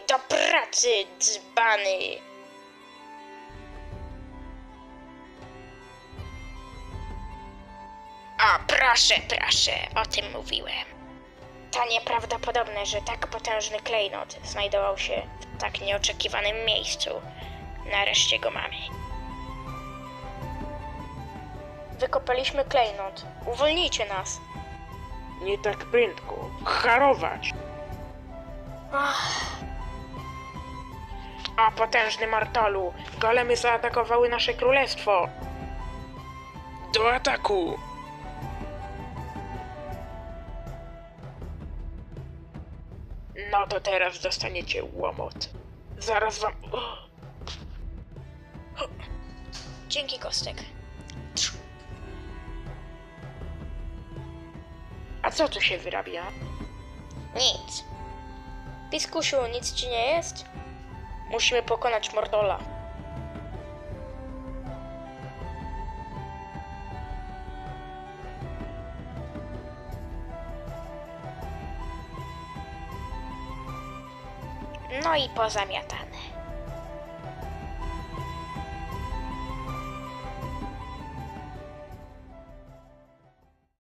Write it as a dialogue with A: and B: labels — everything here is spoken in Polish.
A: Do pracy, dzbany! O, proszę, o tym mówiłem. To nieprawdopodobne, że tak potężny klejnot znajdował się w tak nieoczekiwanym miejscu. Nareszcie go mamy. Wykopaliśmy klejnot. Uwolnijcie nas.
B: Nie tak prędko. Harować! A potężny Martalu! Golemy zaatakowały nasze królestwo! Do ataku! No to teraz dostaniecie łomot. Zaraz wam...
A: Dzięki, Kostek.
B: A co tu się wyrabia?
A: Nic. Piskusiu, nic ci nie jest? Musimy pokonać Mordola. No i pozamiatane.